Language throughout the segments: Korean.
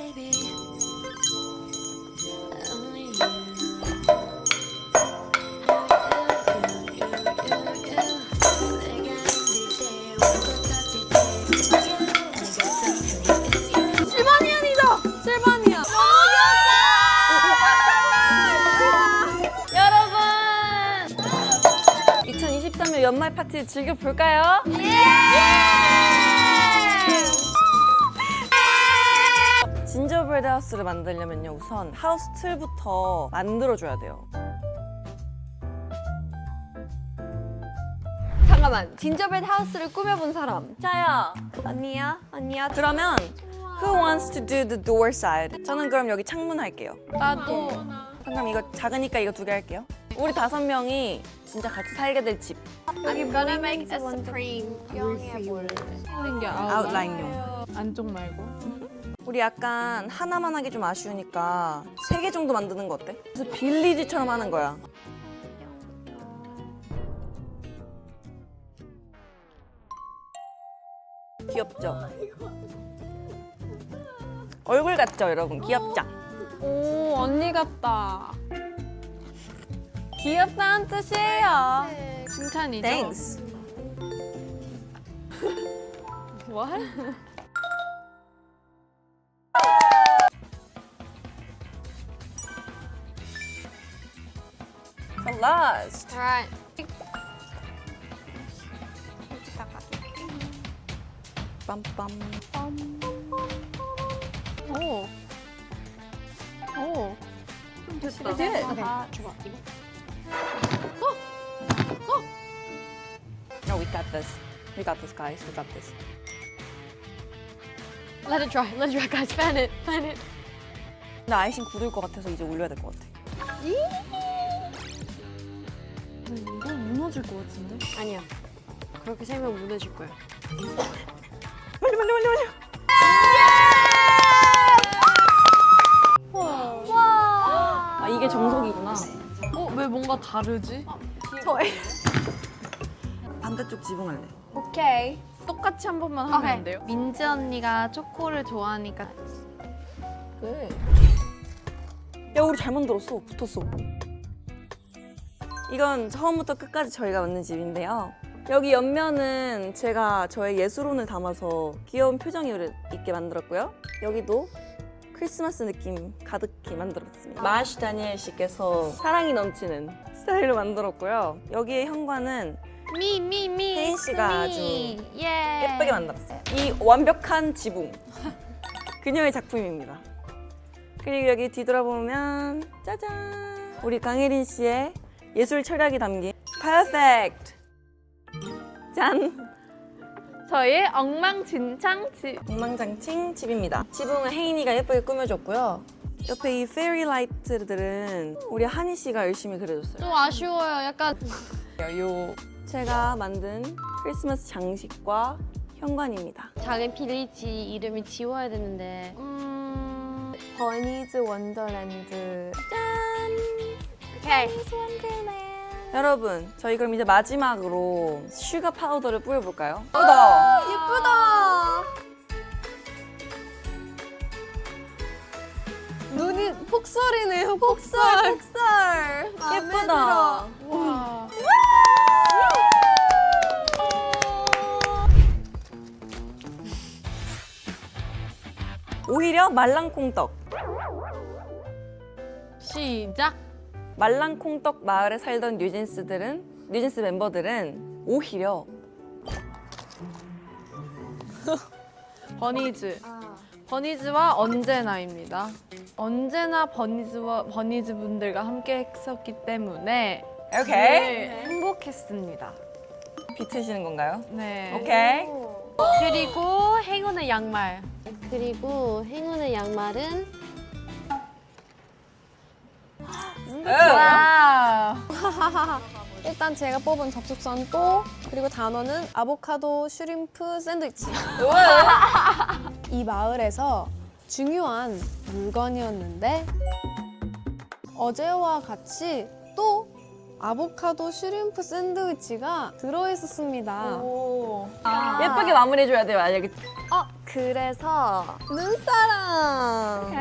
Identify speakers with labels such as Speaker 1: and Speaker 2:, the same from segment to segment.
Speaker 1: baby. Only you.
Speaker 2: 실바니안이다! 실바니안!
Speaker 3: 여러분! 2023년 연말 파티 즐겨볼까요? 진저브레드 하우스를 만들려면요, 우선 하우스 틀부터 만들어줘야 돼요.
Speaker 2: 잠깐만, 진저브레드 하우스를 꾸며본 사람.
Speaker 3: 자야,
Speaker 2: 언니야? 언니야?
Speaker 3: 그러면 Who wants to do the door side? 저는 그럼 여기 창문 할게요.
Speaker 2: 나도.
Speaker 3: 잠깐 이거 작으니까 이거 2개 할게요. 우리 5명이 진짜 같이 살게 될 집.
Speaker 2: I'm gonna make a supreme 영해 볼.
Speaker 4: 생긴 게
Speaker 3: 아웃라인용.
Speaker 4: 안쪽 말고.
Speaker 3: 우리 약간 하나만 하기 좀 아쉬우니까 3개 정도 만드는 거 어때? 그래서 빌리지처럼 하는 거야. 귀엽죠? 얼굴 같죠, 여러분? 귀엽죠?
Speaker 4: 오, 언니 같다. 귀엽다는 뜻이에요. 칭찬이죠?
Speaker 3: Thanks.
Speaker 4: What?
Speaker 3: The last.
Speaker 2: Alright.
Speaker 3: 빰빰.
Speaker 4: 오. 오. 좀 됐다.
Speaker 2: 아, 좋아. 이거.
Speaker 3: No, we got this. We got this, guys. We got this.
Speaker 2: Let it dry. Let it dry, guys. Fan it. Fan it.
Speaker 3: 나 아이싱 굳을 것 같아서 이제 올려야 될 것 같아.
Speaker 4: 이거 무너질 것 같은데?
Speaker 2: 아니야. 그렇게 세면 무너질 거야.
Speaker 3: 빨리, 빨리, 빨리, 빨리. 아, 이게 정석이구나.
Speaker 4: 왜 뭔가 다르지?
Speaker 3: 반대쪽 지붕할래.
Speaker 2: 오케이.
Speaker 4: 똑같이 한 번만 하면 안 돼요? 민지 언니가 초코를 좋아하니까.
Speaker 3: 왜? 야, 우리 잘 만들었어. 붙었어. 이건 처음부터 끝까지 저희가 만든 집인데요. 여기 옆면은 제가 저의 예술혼을 담아서 귀여운 표정이 있게 만들었고요. 여기도 크리스마스 느낌 가득히 만들었습니다. 마시 다니엘 씨께서 사랑이 넘치는 스타일로 만들었고요. 여기에 현관은 혜인 씨가 아주 예쁘게 만들었어요. 이 완벽한 지붕. 그녀의 작품입니다. 그리고 여기 뒤돌아보면 짜잔! 우리 강혜린 씨의 예술 철학이 담긴 퍼펙트! 짠!
Speaker 4: 저의 엉망진창 집.
Speaker 3: 엉망장칭 집입니다. 지붕은 혜인이가 예쁘게 꾸며줬고요. 옆에 이 페리 라이트들은 우리 한희 씨가 열심히 그려줬어요.
Speaker 2: 좀 아쉬워요. 약간
Speaker 3: 요 제가 만든 크리스마스 장식과 현관입니다.
Speaker 2: 작은 빌리지 이름을 지워야 되는데.
Speaker 3: 버니즈 원더랜드. 짠!
Speaker 2: 오케이.
Speaker 3: 여러분, 저희 그럼 이제 마지막으로 슈가 파우더를 뿌려볼까요? 예쁘다!
Speaker 2: 예쁘다. 눈이 폭설이네요. 폭설. 폭설.
Speaker 3: 예쁘다!
Speaker 4: 와.
Speaker 3: 오히려 말랑콩떡.
Speaker 4: 시작.
Speaker 3: 말랑콩떡 마을에 살던 뉴진스 멤버들은 오히려
Speaker 4: 버니즈. 버니즈와 언제나입니다. 언제나 버니즈 분들과 함께 했었기 때문에
Speaker 3: 오케이.
Speaker 4: 네, 행복했습니다.
Speaker 3: 비트시는 건가요?
Speaker 4: 네.
Speaker 3: 오케이.
Speaker 4: 그리고 행운의 양말.
Speaker 2: 그리고 행운의 양말은
Speaker 4: 와.
Speaker 5: 일단 제가 뽑은 접속선 또 그리고 단어는 아보카도 슈림프 샌드위치. 이 마을에서 중요한 물건이었는데 어제와 같이 또 아보카도 슈림프 샌드위치가 들어있었습니다.
Speaker 4: 오.
Speaker 3: 예쁘게 마무리해줘야 돼요, 알겠지?
Speaker 2: 그래서
Speaker 3: 눈사람.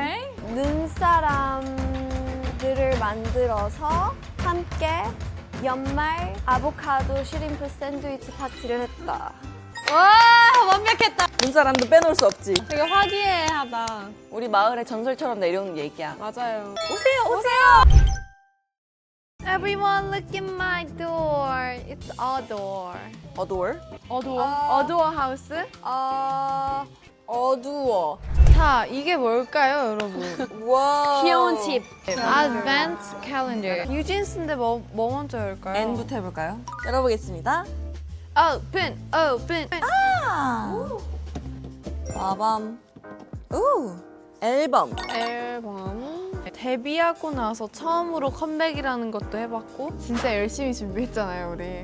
Speaker 2: 눈사람들을 만들어서 함께 연말 아보카도 슈림프 샌드위치 파티를 했다.
Speaker 5: 와 완벽했다.
Speaker 3: 눈사람도 빼놓을 수 없지.
Speaker 5: 되게 화기애애하다.
Speaker 3: 우리 마을의 전설처럼 내려오는 얘기야.
Speaker 5: 맞아요.
Speaker 3: 오세요, 오세요.
Speaker 4: Everyone look in my door. It's a door.
Speaker 3: 어두워.
Speaker 4: 어두워 하우스?
Speaker 3: 어두워.
Speaker 5: 자 이게 뭘까요 여러분?
Speaker 3: 와.
Speaker 2: 귀여운 집.
Speaker 5: Advent calendar. 뉴진스인데 뭐 먼저 열까요?
Speaker 3: N부터 해볼까요? 열어보겠습니다.
Speaker 4: Open, open.
Speaker 3: 빠밤. 오. 앨범.
Speaker 5: 앨범. 데뷔하고 나서 처음으로 컴백이라는 것도 해봤고 진짜 열심히 준비했잖아요 우리.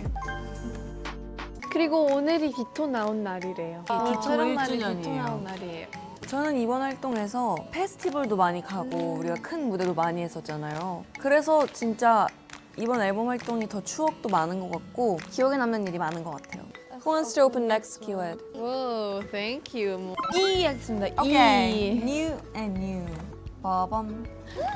Speaker 5: 그리고 오늘이 기토 나온 날이래요.
Speaker 3: 기토
Speaker 5: 촬영 날이
Speaker 3: 1주년이에요.
Speaker 5: 기토 나온 날이에요.
Speaker 3: 저는 이번 활동에서 페스티벌도 많이 가고 우리가 큰 무대도 많이 했었잖아요. 그래서 진짜 이번 앨범 활동이 더 추억도 많은 것 같고 기억에 남는 일이 많은 것 같아요. Who wants to open next keyword?
Speaker 5: 오, thank you. 뭐. E 하겠습니다.
Speaker 3: Okay.
Speaker 5: E.
Speaker 3: New and new. 빠밤.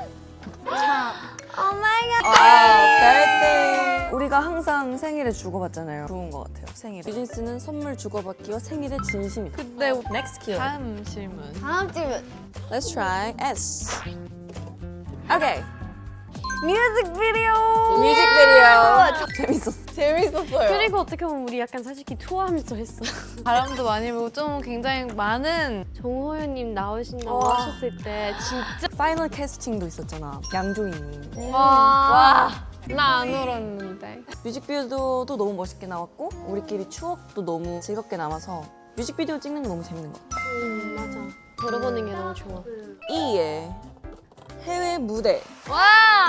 Speaker 2: 오 마이 갓.
Speaker 3: birthday. 우리가 항상 생일에 주고받잖아요. 좋은 것 같아요. 생일. 뉴진스는 선물 주고받기와 생일에 진심이다.
Speaker 5: 근데
Speaker 3: Next keyword.
Speaker 5: 다음 질문.
Speaker 2: 다음 질문.
Speaker 3: Let's try S. Okay.
Speaker 2: 뮤직비디오.
Speaker 3: 뮤직비디오. 재밌었어.
Speaker 5: 재밌었어요.
Speaker 2: 그리고 어떻게 보면 우리 약간 솔직히 투어하면서 했어.
Speaker 5: 바람도 많이 불고 좀 굉장히 많은
Speaker 2: 정호연님 나오신다고
Speaker 3: 와.
Speaker 2: 하셨을 때 진짜
Speaker 3: 파이널 캐스팅도 있었잖아. 양조인님.
Speaker 5: 와. 나 안 울었는데.
Speaker 3: 뮤직비디오도 너무 멋있게 나왔고 우리끼리 추억도 너무 즐겁게 남아서 뮤직비디오 찍는 거 너무 재밌는 것 같아.
Speaker 2: 맞아. 들어보는 게 너무 좋아.
Speaker 3: E의 해외 무대.
Speaker 5: 와.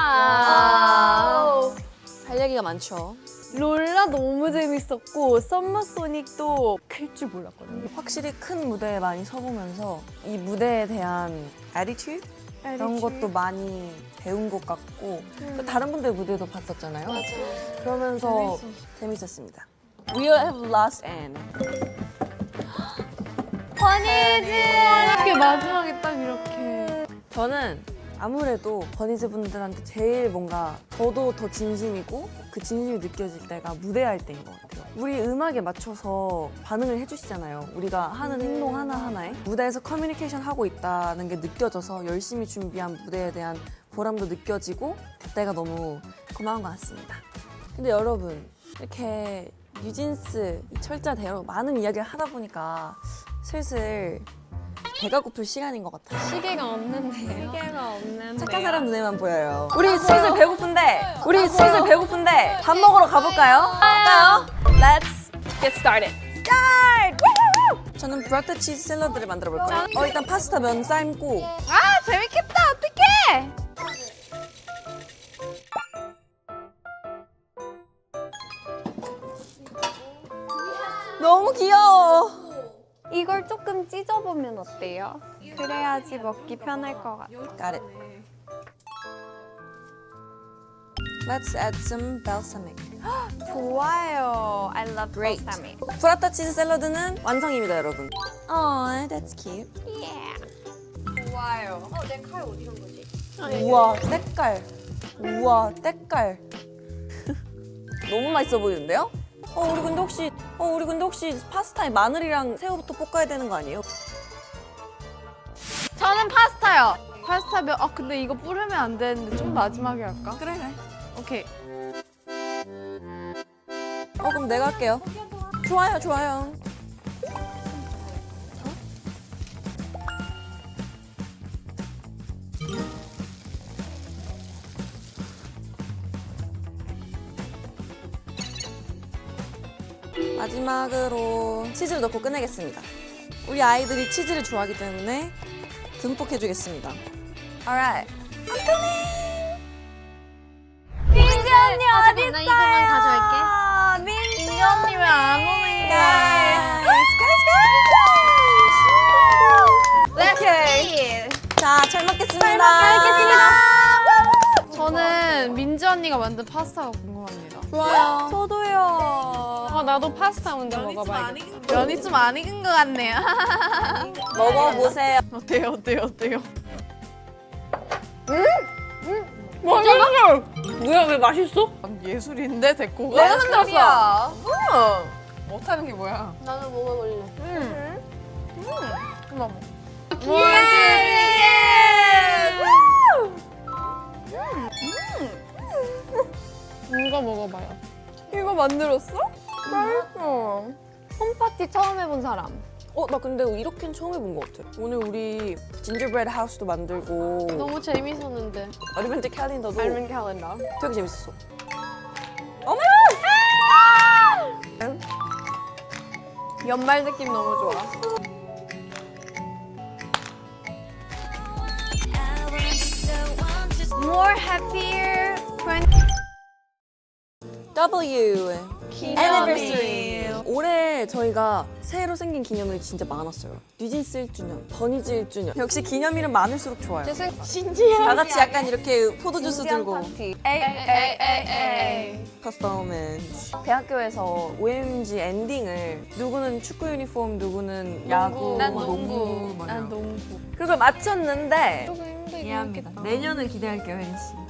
Speaker 3: 할 얘기가 많죠.
Speaker 2: 롤라 너무 재밌었고 썸머소닉도 클 줄 몰랐거든요.
Speaker 3: 확실히 큰 무대에 많이 서보면서 이 무대에 대한 attitude? 이런 것도 많이 배운 것 같고 또 다른 분들 무대도 봤었잖아요. 그러면서 재밌었습니다. We have lost Anne.
Speaker 5: 이렇게 마지막에 딱 이렇게.
Speaker 3: 저는 아무래도 버니즈 분들한테 제일 뭔가 저도 더 진심이고 그 진심이 느껴질 때가 무대할 때인 것 같아요. 우리 음악에 맞춰서 반응을 해주시잖아요. 우리가 하는 행동 하나하나에 무대에서 커뮤니케이션 하고 있다는 게 느껴져서 열심히 준비한 무대에 대한 보람도 느껴지고 그때가 너무 고마운 것 같습니다. 근데 여러분 이렇게 뉴진스 이 철자대로 많은 이야기를 하다 보니까 슬슬 배가 고플 시간인 것 같아요.
Speaker 5: 시계가 없는데요.
Speaker 2: 시계가 없는.
Speaker 3: 착한 사람 눈에만 보여요. 우리 슬슬 배고픈데 밥 먹으러 가볼까요? 갈까요? Let's get started. Start! Woo! 저는 브라타 치즈 샐러드를 만들어 볼 거예요. 일단 파스타 면 삶고
Speaker 5: 아 재밌겠다. 어떡해?
Speaker 3: 너무 귀여워.
Speaker 2: 이걸 조금 찢어보면 어때요? 그래야지 먹기 편할 것 같아.
Speaker 3: Got it. Let's add some balsamic.
Speaker 2: 좋아요. I love
Speaker 3: Great.
Speaker 2: balsamic.
Speaker 3: 브라타 치즈 샐러드는 완성입니다, 여러분. Oh, that's cute.
Speaker 2: 좋아요. 내 칼 어디 간 거지?
Speaker 3: 우와, 때깔. 우와, 때깔. 너무 맛있어 보이는데요? 우리 근데 혹시 파스타에 마늘이랑 새우부터 볶아야 되는 거 아니에요?
Speaker 5: 저는 파스타요. 파스타 면. 근데 이거 뿌리면 안 되는데 좀 마지막에 할까?
Speaker 3: 그래.
Speaker 5: 오케이.
Speaker 3: 그럼 내가 할게요. 좋아요. 마지막으로 치즈를 넣고 끝내겠습니다. 우리 아이들이 치즈를 좋아하기 때문에 듬뿍 해주겠습니다. Alright.
Speaker 2: 민지 언니 어디 있어요?
Speaker 4: 나 이거만 가져갈게.
Speaker 2: 민지 언니 왜 안 오는 거야?
Speaker 3: 오케이. 자, 잘 먹겠습니다.
Speaker 5: 저는 민지 언니가 만든 파스타가 궁금합니다.
Speaker 3: 좋아요.
Speaker 2: 저도요.
Speaker 5: 나도 파스타 먼저 먹어봐야겠다. 면이 좀 안 익은 것 같네요.
Speaker 3: 먹어보세요.
Speaker 5: 어때요?
Speaker 3: 뭐야, 왜 맛있어?
Speaker 5: 예술인데 데코가?
Speaker 3: 내가 만들었어.
Speaker 5: 못하는 게 뭐야?
Speaker 2: 나도 먹어볼래.
Speaker 5: 이거 먹어봐요.
Speaker 2: 이거 만들었어? 맛있어. 홈파티 처음 해본 사람.
Speaker 3: 나 근데 이렇게는 처음 해본 것 같아. 오늘 우리 진저브레드 하우스도 만들고
Speaker 2: 너무 재밌었는데.
Speaker 3: 어드벤처 캘린더도
Speaker 2: 알면 캘린더.
Speaker 3: 되게 재밌었어.
Speaker 2: 연말 느낌 너무 좋아. More happier
Speaker 3: W Anniversary. 올해 저희가 새로 생긴 기념일이 진짜 많았어요. 뉴진스 1주년, 버니즈 1주년. 역시 기념일은 많을수록 좋아요.
Speaker 2: 신기해.
Speaker 3: 다 같이 약간 이렇게 포도주스 들고
Speaker 2: 에이.
Speaker 3: 퍼포먼스. 대학교에서 OMG 엔딩을 누구는 축구 유니폼, 누구는 야구,
Speaker 5: 난
Speaker 3: 뭐
Speaker 5: 농구.
Speaker 3: 뭐
Speaker 5: 난
Speaker 3: 이런.
Speaker 5: 농구.
Speaker 3: 그걸 맞췄는데
Speaker 2: 조금 힘들긴
Speaker 3: 미안합니다.
Speaker 2: 했겠다.
Speaker 3: 내년을 기대할게요, 혜린 씨.